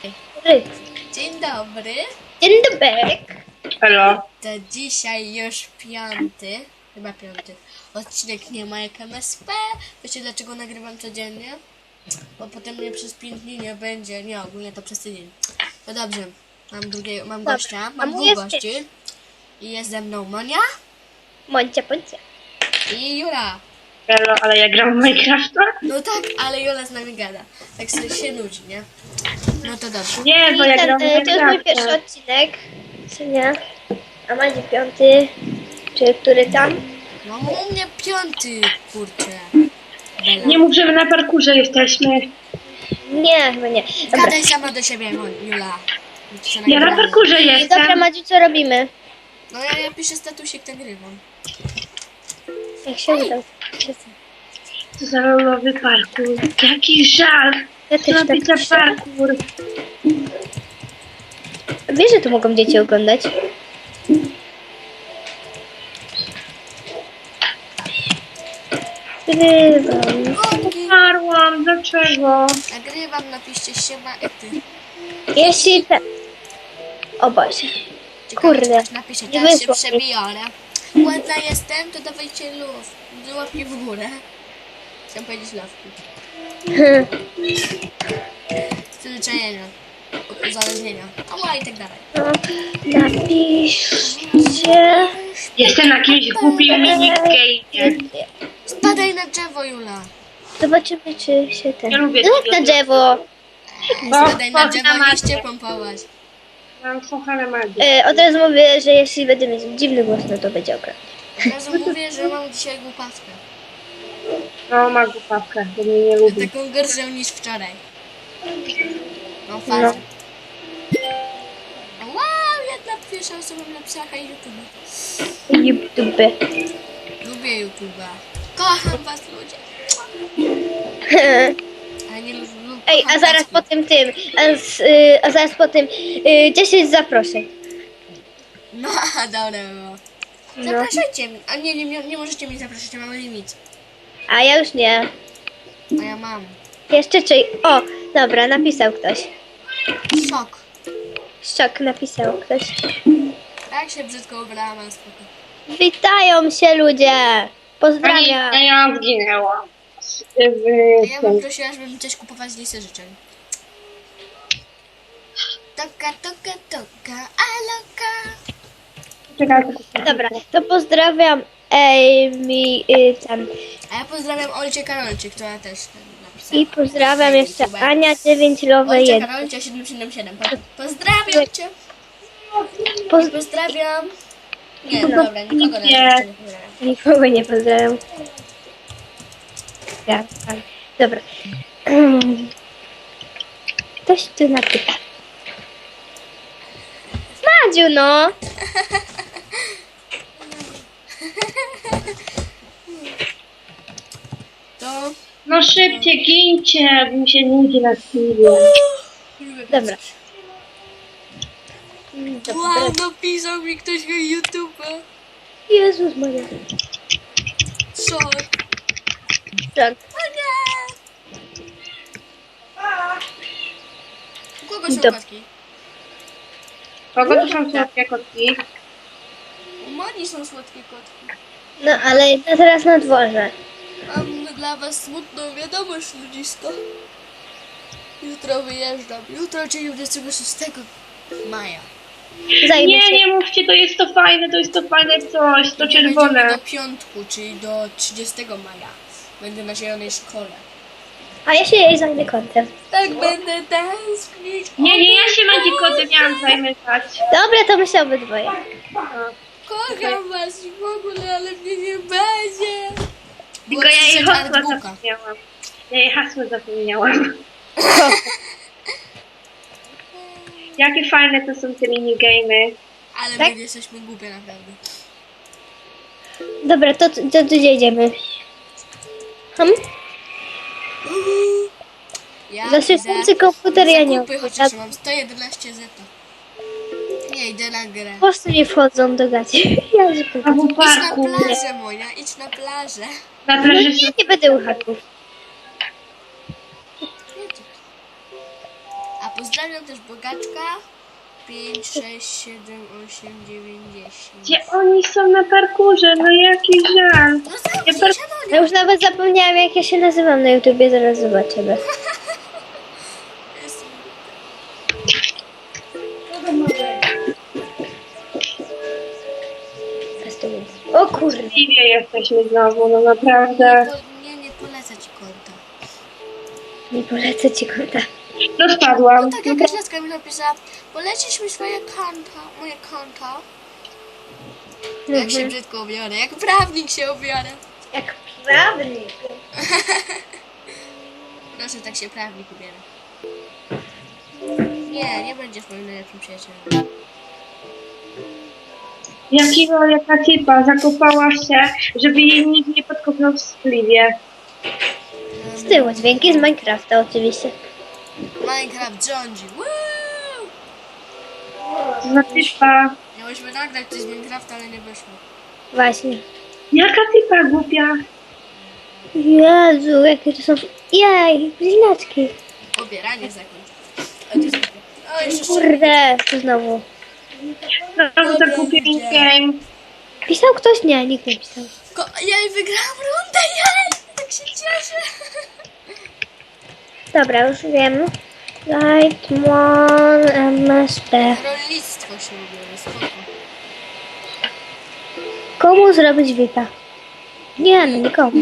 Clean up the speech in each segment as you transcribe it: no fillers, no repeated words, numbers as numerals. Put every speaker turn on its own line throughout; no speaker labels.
Dzień dobry.
Dzień dobry.
Halo.
To dzisiaj już chyba piąty odcinek Nie ma jak MSP. Wiecie dlaczego nagrywam codziennie? Bo potem mnie przez 5 dni nie będzie. Nie, ogólnie to przez tydzień. No dobrze, mam gościa, mam dwóch gości. I jest ze mną Monia
Moncia.
i Jura.
Halo, ale ja gram w Minecrafta?
No tak, ale Jura z nami gada. Tak sobie się nudzi, nie? No to dobrze.
Nie, bo ja gram w
To jest mój
Minecrafta.
pierwszy odcinek. Czy nie? A Macie piąty. Czy który tam?
No u mnie piąty, kurczę. Bela.
Nie mów, że my na parkurze jesteśmy.
Nie, chyba nie. Dobra.
Gadaj sama do siebie, Jula.
Ja na parkurze
Dobra,
jestem.
Madziu, co robimy?
No ja piszę statusik, nagrywam.
Jak się uda.
Co za lolowy parkur. Jaki żal.
Ja
Co
też
robić
tak
za parkur?
Wiesz, że tu mogą dzieci oglądać? Grywam.
Umarłam, dlaczego?
Nagrywam, napiszcie siema ety.
Jeśli te... O Boże.
Ciekawe,
Kurde.
czy ktoś napisze,
Nie
teraz się
wyszło mi.
przebiorę. Ładna jestem, to dawajcie luz. Łapki w górę. Chciałam powiedzieć lawki. Przyzwyczajenia. Uzależnienia. Ała i tak dalej.
No, napiszcie...
Jestem na jakimś głupim minigame.
Spadaj na drzewo, Jula.
Zobaczymy, czy się ten...
Ja lubię
Zrób na
tego.
drzewo.
Spadaj na
chodź
drzewo,
na
liście
magię.
pompować.
Mam kochane magię.
Od razu mówię, że jeśli będę mieć dziwny głos, no to będzie okropnie.
Od razu mówię, że mam dzisiaj głupawkę.
No, ma głupawkę, bo mnie nie lubi.
Taką gorszą niż wczoraj. No fazę. Wow, jedna pierwsza osoba napisała hej YouTube.
YouTube.
Lubię YouTube'a. Kocham was ludzie. Ale nie lubię.
Ej, a zaraz po tym a zaraz po tym 10 zaproszeń.
No, dobra było.
No.
Zapraszajcie mnie. A nie możecie mnie zapraszać, ja mam limit.
A ja już nie.
A ja mam.
Jeszcze czy... O, dobra, napisał ktoś.
Szok.
Szok napisał ktoś.
Tak się brzydko ubrałam, ale spoko.
Witają się ludzie.
Pani,
Pozdrawiam.
ja zginęłam.
A ja bym prosiła, żeby mi coś kupować z listy życzeń. Toka, aloka.
Czekaj,
Dobra, to pozdrawiam Amy tam.
A ja pozdrawiam Olcie Karolcie, która też napisała.
I pozdrawiam jeszcze Ania 9 Lowe
Olcia
1.
Karolcia 777. Pozdrawiam cię. Pozdrawiam. Nie, no dobra, nikogo na
Nie.
razie nie pozdrawiam.
Nikogo nie pozdrawiam. Ja, tak. Dobra. Ktoś tu napyta. Madziu, no!
To...
No szybciej, gincie, bo mi się nudzi na chwilę.
Dobra.
Wow, napisał mi ktoś na YouTube.
Jezus Maria.
Szok.
Tak.
O nie! U kogo są
Dob-
kotki?
Kogo to są słodkie kotki?
U Moni są słodkie kotki.
No, ale teraz na dworze.
Mam dla was smutną wiadomość, ludzisko. Jutro wyjeżdżam. Jutro, czyli 26 maja.
Zajmę
Nie,
się.
nie mówcie, to jest to fajne coś, to
Będziemy
czerwone.
do piątku, czyli do 30 maja. Będę na zielonej szkole.
A ja się jej zajmę kątem.
Tak będę tęsknić.
Nie, ja się Madzikotem miałam zajmować.
Dobra, to my się obydwoje.
Kocham was i w ogóle, ale mnie nie będzie.
Tylko ja jej hasła
artbooka.
zapomniałam. Ja jej hasło zapomniałam. Jakie fajne to są te minigamy.
Ale
Tak?
my jesteśmy głupie naprawdę.
Dobra, to gdzie jedziemy?
Ja
Za szybcy komputer ja nie
zakupy, chociaż mam 111 zeta. Nie idę na grę.
Po prostu nie wchodzą do gaci. Ja
A
zupełnie.
w
Idź na
parku.
plażę, Monia, idź na plażę.
Na
No
plaży
nie, nie będę u haków.
A pozdrawiam też Bogaczka. 5, 6, 7, 8, 9, 10.
Gdzie oni są na parkurze? No jaki żal.
No zamknij
Ja
się, no
Ja już nawet zapomniałam, jak ja się nazywam na YouTubie, zaraz zobaczymy.
Jestem...
O kurde.
Liwie jesteśmy znowu, no naprawdę.
Nie polecę ci konta.
Nie polecę ci konta.
No spadłam.
Tak jakaś laska mi napisała, polecisz mi swoje konta, moje konto. Jak się brzydko ubiorę, jak prawnik się ubiorę.
Jak prawnik.
Proszę, tak się prawnik ubiera. Nie będziesz moim najlepszym przyjacielem.
Jaka typa zakopała się, żeby jej nikt nie podkopnął w spliwie.
Z tyłu, dźwięki z Minecrafta oczywiście.
Minecraft rządzi. Woo!
To za typa.
Miałyśmy nagrać coś z Minecrafta, ale nie wyszło.
Właśnie.
Jaka typa głupia.
Jezu, jakie to są... Jej, blinaczki.
Pobieranie zakończ. O, to jest głupie. O, jeszcze
Kurde, co znowu?
Znowu za głupi game.
Pisał ktoś? Nie, nikt nie pisał.
Jej, wygrałam rundę, jej! Tak się cieszę.
Dobra, już wiem. Lightmon MSP.
Rolnictwo się ubiorę, spoko.
Komu zrobić VIPa? Nie, no nikomu.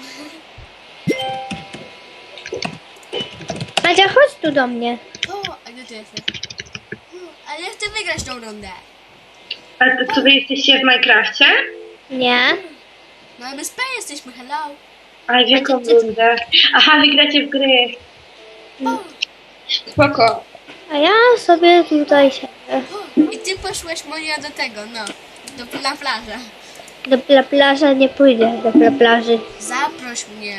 Madzia, chodź tu do mnie.
O, a gdzie ty jesteś? Ale ja chcę wygrać tą rundę.
A to co wy jesteście w Minecrafcie?
Nie?
No MSP jesteśmy, hello.
A w jaką rundę? Aha, wygracie w gry.
O,
Spoko.
A ja sobie tutaj siedzę.
I ty poszłeś moja do tego, no. Na plażę.
Do plaży nie pójdę, do plaży.
Zaproś mnie.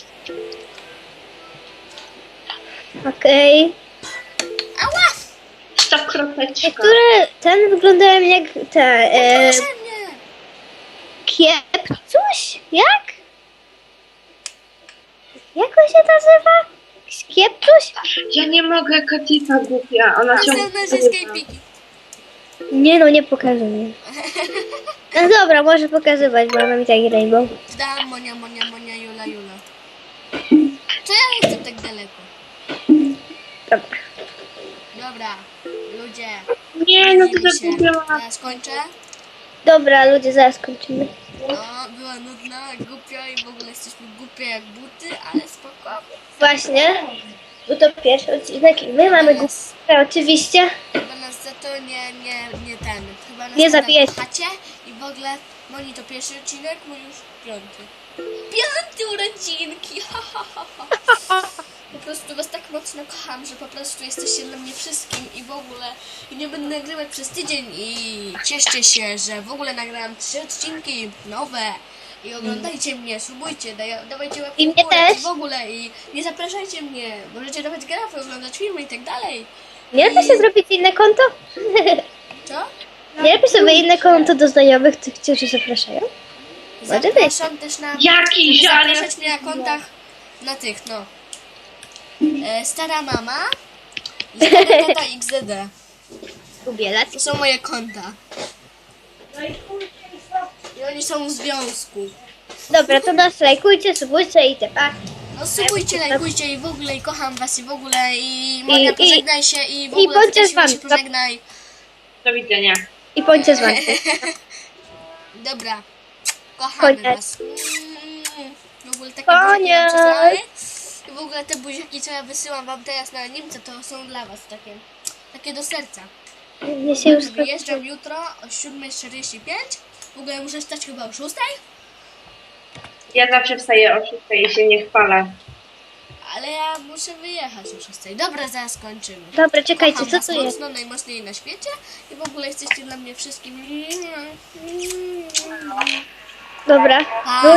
Okej.
Ała!
Stop kropeczka.
Niektóre ten wyglądają jak te...
Proszę mnie.
Kiepcuś? Jak? Jak on się nazywa? Kiepcuś?
Ja nie mogę, jaka typa głupia. Ona
Są
ciągle
nazwiska i piki.
Nie no, nie pokazuję. No dobra, może pokazywać, bo mam i tak rainbow.
Dam Monia, Jula. Co ja jestem tak daleko?
Dobra.
Dobra, ludzie.
Nie, no to
widzimy się.
zagubiłam.
Ja skończę.
Dobra, ludzie, zaraz kończymy.
No, była nudna, głupia i w ogóle jesteśmy głupie jak buty, ale spoko.
Właśnie, bo to pierwszy odcinek i my mamy głupę oczywiście.
Chyba nas za to nie ten. Chyba nas
Nie
nadal
zabijecie.
kochacie i w ogóle Moni to pierwszy odcinek, mój już 5. 5 urodzinki! Ha, ha, ha, ha. Po prostu was tak mocno kocham, że po prostu jesteście dla mnie wszystkim i w ogóle i nie będę nagrywać przez tydzień i cieszcie się, że w ogóle nagrałam 3 odcinki nowe i oglądajcie mnie, subujcie, dawajcie łapki
I
w
mnie
górę
też.
i w ogóle i nie zapraszajcie mnie, możecie dawać grafy, oglądać filmy i tak dalej.
Nie lepiej sobie zrobić inne konto?
Co?
Nie lepiej sobie inne konto do znajomych, którzy zapraszają? Może być.
Zapraszam też na...
Jaki
żeby
żal.
zapraszać mnie na kontach na tych, no. Stara mama i stary tata XDD.
Ubielać.
To są moje konta. I oni są w związku.
Dobra, to nas lajkujcie, subujcie i tepa.
No subujcie, lajkujcie i w ogóle i kocham was i w ogóle i Monia pożegnaj się i w ogóle
bądźcie z
Stasiu się
wami.
pożegnaj.
Do widzenia.
I bądźcie z wami.
Dobra. Kochamy
Koniec.
was. W ogóle takie
Koniec.
buziaki wam przesyłamy. I w ogóle te buziaki, co ja wysyłam wam teraz na Niemcy, to są dla was takie do serca.
Mnie się już skończyło.
Wyjeżdżam jutro o 7:45. W ogóle muszę wstać chyba o 6.
Ja zawsze wstaję o 6 i się nie chwalę.
Ale ja muszę wyjechać o 6. Dobra, zaraz kończymy.
Dobra, czekajcie,
Kocham
co
was
to jest?
mocno, najmocniej na świecie. I w ogóle jesteście dla mnie wszystkim.
Dobra.
Pa.